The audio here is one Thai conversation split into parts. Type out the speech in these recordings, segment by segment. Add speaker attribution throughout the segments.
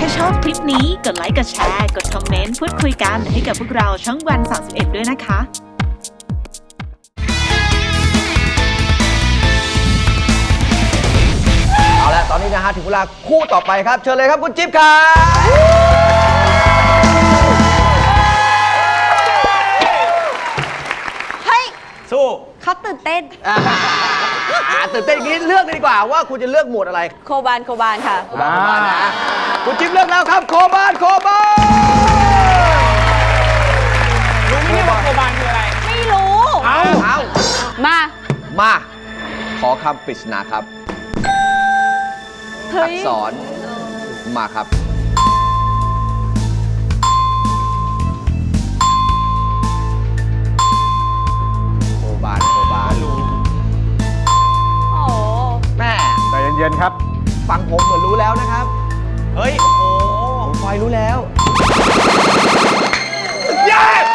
Speaker 1: ถ้าชอบคลิปนี้กดไลค์กดแชร์กดคอมเมนต์พูดคุยกันให้กับพวกเราช่องวัน31ด้วยนะคะ
Speaker 2: เอาละตอนนี้นะฮะถึงเวลาคู่ต่อไปครับเชิญเลยครับคุณจิ๊บครับ
Speaker 3: เฮ้ย
Speaker 2: สู้
Speaker 3: เขาตื่นเต้น
Speaker 2: ตื่นเต้นอย่างนี้เลือกเลยดีกว่าว่าคุณจะเลือกหมวดอะไร
Speaker 3: โคบานค่ะ
Speaker 2: โคบานนะคุณจิ๊บเลือกแล้วครับโคบาน
Speaker 4: รู้ไหมเนี่ยว่าโคบานคืออะไร
Speaker 3: ไม่รู้
Speaker 2: เอา
Speaker 3: มา
Speaker 2: ขอคำปริศนาครับ
Speaker 3: เฮ้
Speaker 2: อั
Speaker 3: ย
Speaker 2: กษรมาครับโคบาน
Speaker 3: โอ้
Speaker 2: แม่
Speaker 4: ใจเย็นๆครับ
Speaker 2: ฟังผมเหมือนรู้แล้วนะครับ
Speaker 4: เฮ้ย โอ้โห
Speaker 2: ผมไฟรู้แล้ว
Speaker 4: ยอด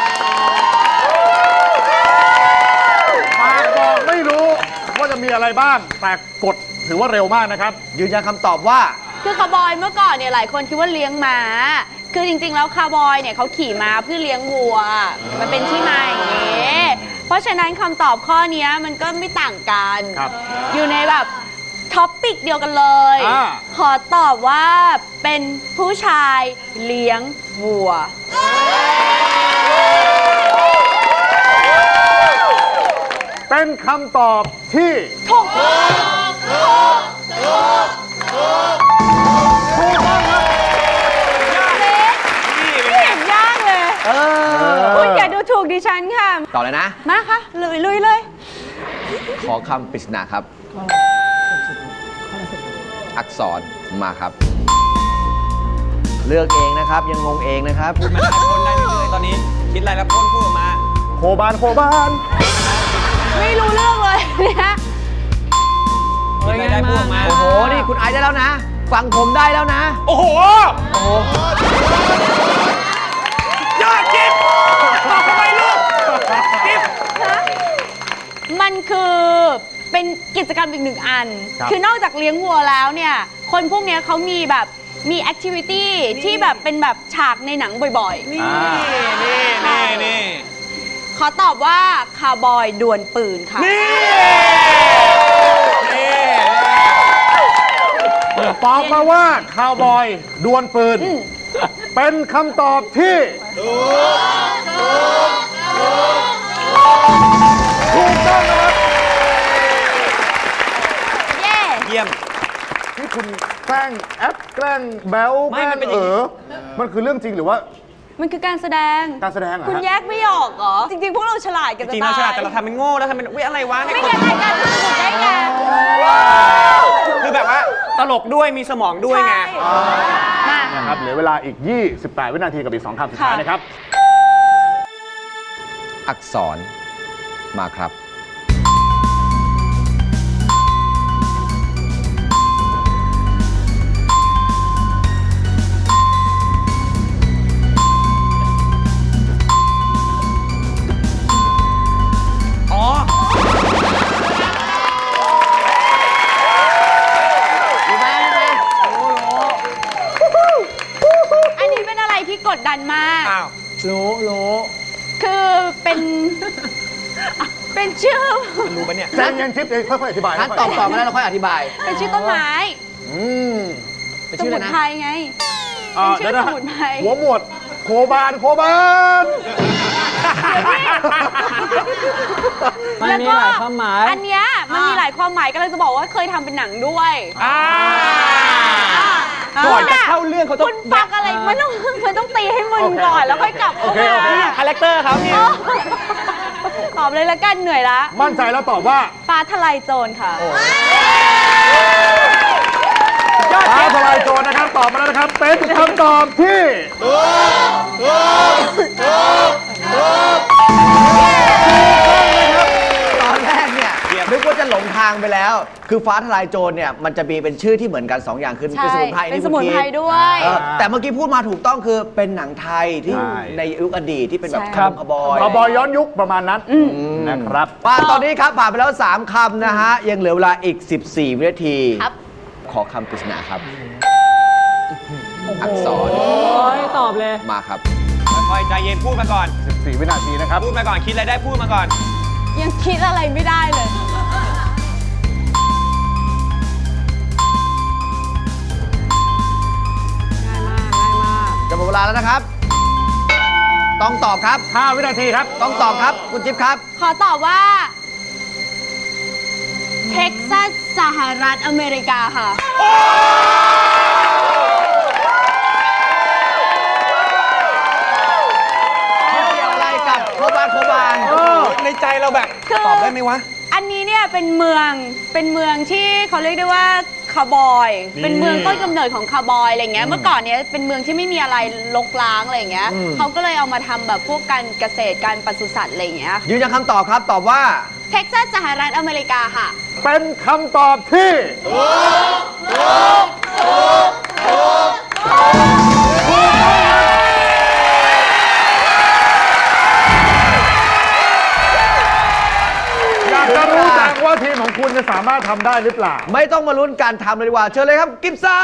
Speaker 4: ปากบอกไม่รู้ว่าจะมีอะไรบ้าง แต่กดถือว่าเร็วมากนะครับ
Speaker 2: ยืนยันคำตอบว่า
Speaker 3: คือคาร์บอยเมื่อก่อนเนี่ยหลายคนคิดว่าเลี้ยงม้า คือจริงๆแล้วคาร์บอยเนี่ยเขาขี่ม้าเพื่อเลี้ยงวัว มันเป็นที่มาอย่างนี้ เพราะฉะนั้นคำตอบข้อนี้มันก็ไม่ต่างกัน
Speaker 4: ครับ
Speaker 3: อยู่ในแบบท็อปปิกเดียวกันเลย ขอตอบว่าเป็นผู้ชายเลี้ยงวัว
Speaker 4: เป็นคำตอบที่
Speaker 3: ถูก
Speaker 4: ถูกต้องครับ
Speaker 3: ไม่เห็นยากเลยคุณอย่าดูถูกดิฉันค่ะ
Speaker 2: ต่อเลยนะ
Speaker 3: มาค่ะลุยเลย
Speaker 2: ขอคำปริศนาครับ อักษรมาครับ เลือกเองนะครับ ยังงงเองนะครับ
Speaker 5: พูดมาได้พ่นได้เรื่อยๆตอนนี้คิดอะไรแล้วพ่นพูดออกมา
Speaker 4: โคบาน
Speaker 3: ไม่รู้เรื่องเลยเนี่ย
Speaker 5: คิดอะไรได้พูดออกมา
Speaker 2: โอ้โห นี่คุณไอซ์ได้แล้วนะ ฟังผมได้แล้วนะ
Speaker 4: โอ้โห
Speaker 5: ยอดจิ๊บทำไมลูกจิ๊บ
Speaker 3: มันคือเป็นกิจกรรมอีกหนึ่งอัน
Speaker 4: ครับ
Speaker 3: คือนอกจากเลี้ยงวัวแล้วเนี่ย คนพวกเนี้ยเขามีแบบมีแอคทิวิตี้ที่แบบเป็นแบบฉากในหนังบ่อยๆ
Speaker 5: นี่
Speaker 3: ขอตอบว่าคาร์บอยดวลปืนค่ะ
Speaker 4: ตอบมาว่าคาวบอยดวลปืน เป็นคำตอบที่ถูกต้องนะครับ
Speaker 3: เย้
Speaker 5: เยี่ยม
Speaker 4: ที่คุณแกล้งแอปแกล้งแบล
Speaker 5: ไม่
Speaker 4: แกล้
Speaker 5: มั
Speaker 4: ง
Speaker 5: นเป็นอย่างนี้
Speaker 4: มันคือเรื่องจริงหรือว่า
Speaker 3: มันคือการแสดง
Speaker 4: การแสดงเหรอฮะ
Speaker 3: คุณแยกไม่ออกเหรอ จริง ๆ พวกเราฉลาดกัน
Speaker 5: จ
Speaker 3: จะ
Speaker 5: ริงๆ
Speaker 3: ตา
Speaker 5: เรา
Speaker 3: ย
Speaker 5: ฉลาดแต่เราทำเป็นโง่แล้วทำเป็นวิอะไรวะให้
Speaker 3: ไม่
Speaker 5: คน
Speaker 3: งั้นรายการทำถูกได้ไง
Speaker 5: คือแบบว่าตลกด้วยมีสมองด้วยไง
Speaker 3: มา
Speaker 4: นะครับเหลือเวลาอีก 28 วินาทีกับอีก 2 คำสุดท้าย
Speaker 3: ค่ะ
Speaker 4: นะครับ
Speaker 2: อักษรมาครับ
Speaker 5: อ๋อ
Speaker 3: อันนี้เป็นอะไรที่กดดันมาก
Speaker 5: อ้าว
Speaker 3: คือเป็น เป็นชื่อ
Speaker 5: มันรู้ปะเนี่ย
Speaker 4: ใจเย็นทิพย์ค่อยๆอธิบาย
Speaker 2: งั้นตอบก่อนมาแล้วเราค่อยอธิบาย
Speaker 3: เป็นชื่อต้นไม้
Speaker 2: เป็น
Speaker 3: ส
Speaker 2: ชื่ออะ
Speaker 3: มุ
Speaker 2: ไร
Speaker 3: น
Speaker 2: นะ
Speaker 3: ไพรไง เป็นชื่อ
Speaker 4: เดี๋ยวะ
Speaker 3: สมุนไพร
Speaker 4: หัวหมวดโคบาน
Speaker 3: แล้วก็อันเนี้ยมันมีหลายความหมายก็เลยจะบอกว่าเคยทำเป็นหนังด้วย
Speaker 5: ก่อนจะเข้าเรื่องเขาต้อง
Speaker 3: คุณฟังอะไรมันต้องตีให้มึนก่อนแล้วค่อยกลับเข้ามา
Speaker 5: นี่คาแรคเตอร์เขาเนี่ย
Speaker 3: ตอบเลยละกันเหนื่อยละ
Speaker 4: มั่นใจแล้วตอบว่า
Speaker 3: ฟ้าทลายโจรค่ะ
Speaker 4: ฟ้าทลายโจรนะครับ ตอบมาแล้วนะครับ เป็นคำตอบที่
Speaker 2: ตอนแรกเนี่ยนึกว่าจะหลงทางไปแล้ว คือฟ้าทลายโจรเนี่ยมันจะมีเป็นชื่อที่เหมือนกัน 2 อย่างคือ
Speaker 3: ใช่
Speaker 2: เป็นสมุนไพร
Speaker 3: เป็นสมุนไพรด้วย
Speaker 2: แต่เมื่อกี้พูดมาถูกต้องคือเป็นหนังไทยที่
Speaker 4: ใช่
Speaker 2: ในยุคอดีตที่เป็นแบบ
Speaker 3: ใช่
Speaker 2: คำขบอย
Speaker 4: คาวบอยย้อนยุคประมาณนั้นนะครับ
Speaker 2: ว่าตอนนี้ครับผ่านไปแล้ว 3 คำนะฮะ ยังเหลือเวลาอีก 14 วินาที
Speaker 3: ครับ
Speaker 2: ขอคำปริศนาครับอักษร
Speaker 6: โอ้ยตอบเลย
Speaker 2: มาครับ
Speaker 5: ค่อยๆใจเย็นพูดมาก่อน
Speaker 4: 14 วินาทีนะครับ
Speaker 5: พูดมาก่อนคิดอะไรได้พูดมาก่อน
Speaker 3: ยังคิดอะไรไม่ได้เลย
Speaker 6: ง่ายมาก ง่ายมาก
Speaker 2: จะหมดเวลาแล้วนะครับ ต้องตอบครับ
Speaker 4: 5 วินาทีครับ
Speaker 2: ต้องตอบครับ คุณจิ๊บครับ
Speaker 3: ขอตอบว่า เท็กซัสสหรัฐอเมริกาค่ะ
Speaker 2: เกี่ยวอะไรกับโคบาน
Speaker 5: ในใจเราแบบ
Speaker 3: คือ
Speaker 5: ตอบได้ไหมวะ
Speaker 3: อันนี้เนี่ยเป็นเมืองที่เขาเรียกได้ว่าคาวบอย เป็นเมืองต้นกำเนิดของคาวบอยอะไรเงี้ย เมื่อก่อนเนี้ยเป็นเมืองที่ไม่มีอะไรรกร้างอะไรเงี้ย เขาก็เลยเอามาทำแบบพวกการเกษตรการปศุสัตว์อะไรเงี้ย
Speaker 2: ยืนยันคำตอบครับ ตอบว่า
Speaker 3: เท็กซัสสหรัฐอเมริกาค่ะ
Speaker 4: เป็นคำตอบที่อยากจะรู้จังว่าทีมของคุณจะสามารถทำได้หรือเปล่า
Speaker 2: ไม่ต้องมาลุ้นการทำเลยดีกว่า เชิญเลยครับ กิฟซ่า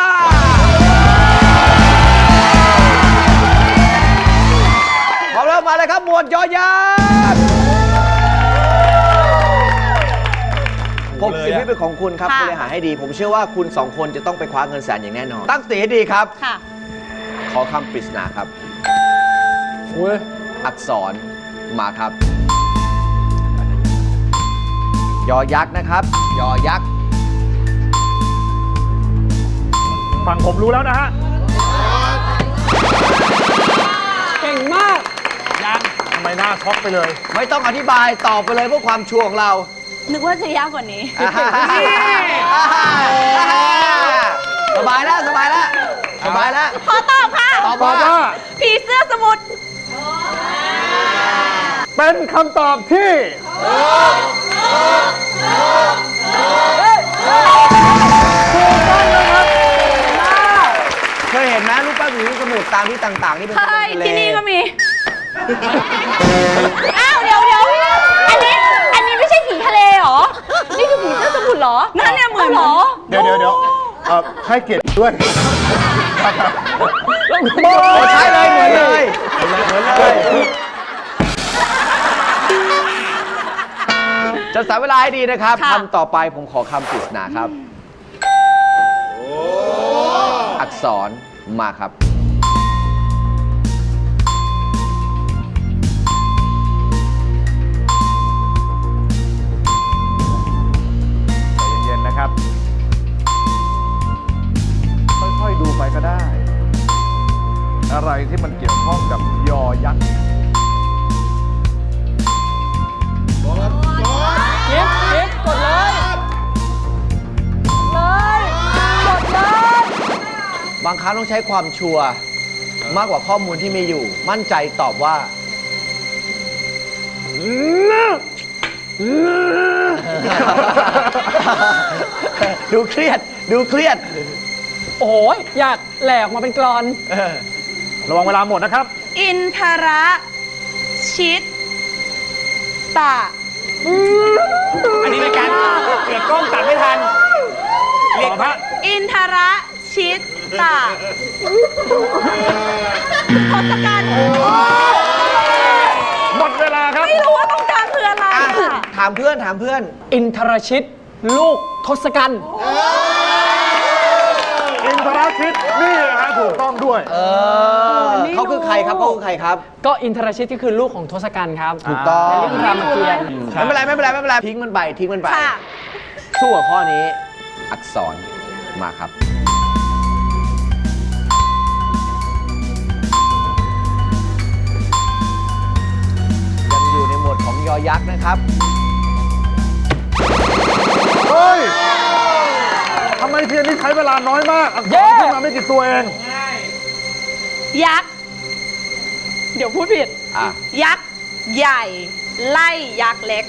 Speaker 2: พร้อมแล้วมาเลยครับ หมวดยอยักษ์60 วิเป็นของคุณครับ
Speaker 3: ค่ะ
Speaker 2: บริหารให้ดี ผมเชื่อว่าคุณ 2 คนจะต้องไปคว้าเงินแสนอย่างแน่นอน ตั้งสติให้ดีครับ
Speaker 3: ค่ะ
Speaker 2: ขอคำปริศนาครับ
Speaker 6: อุ้ย
Speaker 2: อักษรมาครับ ยอยักษ์นะครับ ยอยักษ์
Speaker 4: ฝั่งผมรู้แล้วนะฮะ
Speaker 6: เก่งมาก
Speaker 5: ยัง
Speaker 4: ทำไมหน้าช็อกไปเลย
Speaker 2: ไม่ต้องอธิบายตอบไปเลยเพื่อความชัวร์ของเรา
Speaker 3: นึกว่าจะยากกว่านี้
Speaker 2: สบายแล้วสบายแล้วสบายแล้ว
Speaker 3: ขอตอบค่ะ
Speaker 2: ตอบ
Speaker 4: ตอบ
Speaker 2: ว่า
Speaker 4: ว่า
Speaker 3: ผีเสื้อสมุทร
Speaker 4: เป็นคำตอบที่ถูกต้องนะครับ
Speaker 2: เคยเห็นไหมรูปปั้นผีสมุทรตามที่ต่างๆ ที่เป็น
Speaker 3: ใช่
Speaker 2: ทะเล
Speaker 3: ที่นี่ก็มี อ้าวเดี๋ยวอันนี้ไม่ใช่ผีทะเลเหรอ นี่คือผีเสื้อสมุทรเหรอ นั่นเนี่ยเหมือนเหรอ
Speaker 4: เดี๋ยวให้เกียรติด้วย
Speaker 2: โอ้ใช่เลยเหมือนเลยเหมือนเลยจะสายเวลาให้ดีนะครับ
Speaker 3: ค่ะ
Speaker 2: คำต่อไปผมขอคำปริศนาครับ อักษรมาครับ
Speaker 4: ใจเย็นๆนะครับ ค่อยๆดูไปก็ได้ อะไรที่มันเกี่ยวข้องกับยอยักษ์
Speaker 6: กิฟกดเลย กดเลย
Speaker 2: บางครั้งต้องใช้ความชัวร์มากกว่าข้อมูลที่มีอยู่ มั่นใจตอบว่า ดูเครียด ดูเครียด
Speaker 6: โอ้โห อยากแหลกมาเป็นกรอน
Speaker 4: ระวังเวลาหมดนะครับ
Speaker 3: อินทระชิตตะ
Speaker 5: อันนี้เป็นการเกิดกล้องตัดไม่ทัน เรียกว่า
Speaker 3: อินทระชิตตะทศกัณฐ์
Speaker 4: หมดเวลาครับ
Speaker 3: ไม่รู้ว่าตรงกลางคืออะไรค่ะ
Speaker 2: ถามเพื่อนถามเพื่อน
Speaker 6: อินทรชิต ลูกทศกัณฐ์
Speaker 4: อินทราชิตนี่นะฮะถูกต้องด้วย
Speaker 2: เขาคือใครครับเขาคือใครครับ
Speaker 6: ก็อินทรชิตก็คือลูกของทศกัณฐ์ครับ
Speaker 2: ถูกต้อง
Speaker 6: ในเรื่องรามเกียรติ์
Speaker 2: ไม่เป็นไรไม่เป็นไรไม่เป็นไรทิ้งมันไปทิ้งมันไป
Speaker 3: ค่ะ
Speaker 2: สู้กับข้อนี้ อักษรมาครับ ยังอยู่ในหมวดของยอยักษ์นะครับ
Speaker 4: เฮ้ย ทำไมเทียนนี่ใช้เวลาน้อยมาก อักษรขึ้นมาไม่กี่ตัวเอง
Speaker 3: ยักษ์ เดี๋ยวพูดผิด
Speaker 2: อ่ะ
Speaker 3: ยักษ์ใหญ่ ไล่ยักษ์เล็ก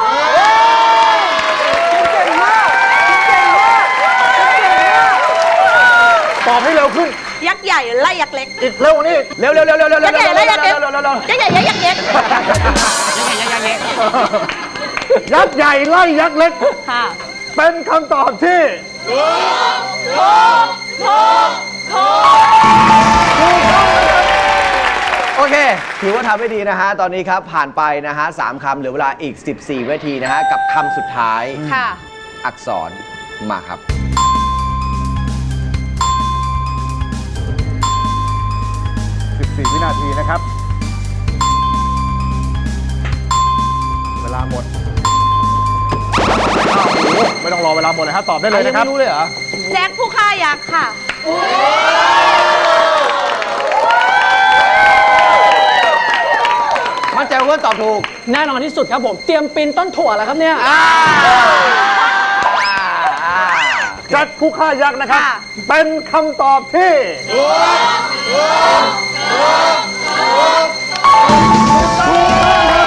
Speaker 4: ตอบให้เร็วขึ้น
Speaker 3: ยักษ์ใหญ่ไล่ยักษ์เล็ก
Speaker 4: อีกเร็วกว่านี้อีก
Speaker 2: เร็วเร็วเร็วเร็วเร็ว
Speaker 3: ยักษ์ใหญ่ไล่ยักษ์เล็ก
Speaker 2: เร็วเร็วเร็ว
Speaker 3: ยักษ์ใหญ่ไล่ยักษ์เล็ก
Speaker 4: ยักษ์ใหญ่ไล่ยักษ์เล็ก
Speaker 3: ค่ะ
Speaker 4: เป็นคำตอบที่
Speaker 3: ถูก
Speaker 2: ถือว่าทำได้ดีนะฮะ ตอนนี้ครับผ่านไปนะฮะ3 คำเหลือเวลาอีก 14 วินาทีนะฮะ กับคำสุดท้าย
Speaker 3: ค่ะ
Speaker 2: อักษรมาครับ
Speaker 4: 14 วินาทีนะครับ เวลาหมดอ้าวโอ้โหไม่ต้องรอเวลาหมดเลยฮะตอบได้เลยนะครับ
Speaker 2: ไม่รู้เลยเหรอ
Speaker 3: แจ็คผู้ฆ่ายักษ์ค่ะ
Speaker 2: มั่นใจว่าตอบถูก
Speaker 6: แน่นอนที่สุดครับผม เตรียมปีนต้นถั่วแล้วครับเนี่ย
Speaker 4: แจ็คผู้ฆ่ายักษ์นะครับ
Speaker 3: ค่ะ
Speaker 4: เป็นคำตอบที่ถูกต้องครับ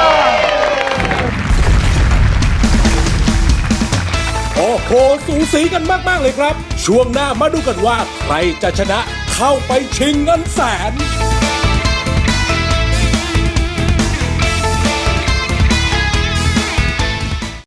Speaker 7: โอ้โห สูสีกันมาก ๆ เลยครับ ช่วงหน้ามาดูกันว่า ใครจะชนะเข้าไปชิงเงินแสน